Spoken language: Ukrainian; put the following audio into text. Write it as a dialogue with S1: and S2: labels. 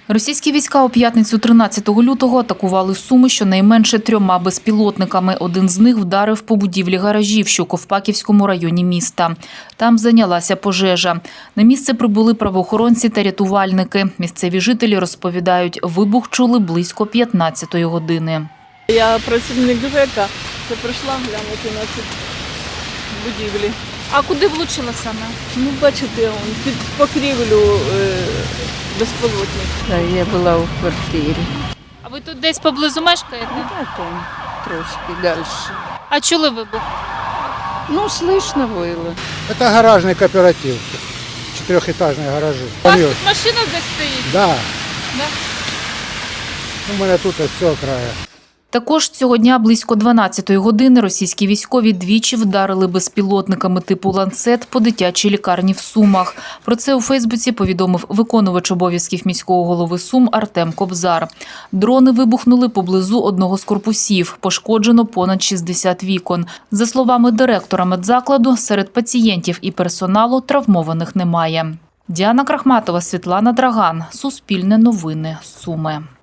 S1: Російські війська у п'ятницю 13 лютого атакували Суми щонайменше 3 безпілотниками. Один з них вдарив по будівлі гаражів, що у Ковпаківському районі міста. Там зайнялася пожежа. На місце прибули правоохоронці та рятувальники. Місцеві жителі розповідають, вибух чули близько 15-ї години.
S2: Я працівник ЖЕКа, це прийшла глянути на ці будівлі.
S1: А куди влучила саме?
S2: Ну, бачите, під покрівлю безпілотник.
S3: Да, я була у квартирі.
S1: А ви тут десь поблизу мешкаєте?
S3: А там трошки далі.
S1: А чули вибух?
S3: Ну, слышно было.
S4: Это гаражный кооператив, четырехэтажные гаражи.
S1: У вас тут машина десь стоїть?
S4: Да.
S1: Да?
S4: У мене тут ось з цього краю.
S1: Також цього дня близько 12-ї години російські військові двічі вдарили безпілотниками типу «Ланцет» по дитячій лікарні в Сумах. Про це у Фейсбуці повідомив виконувач обов'язків міського голови Сум Артем Кобзар. Дрони вибухнули поблизу одного з корпусів. Пошкоджено понад 60 вікон. За словами директора медзакладу, серед пацієнтів і персоналу травмованих немає. Діана Крахматова, Світлана Драган. Суспільне новини. Суми.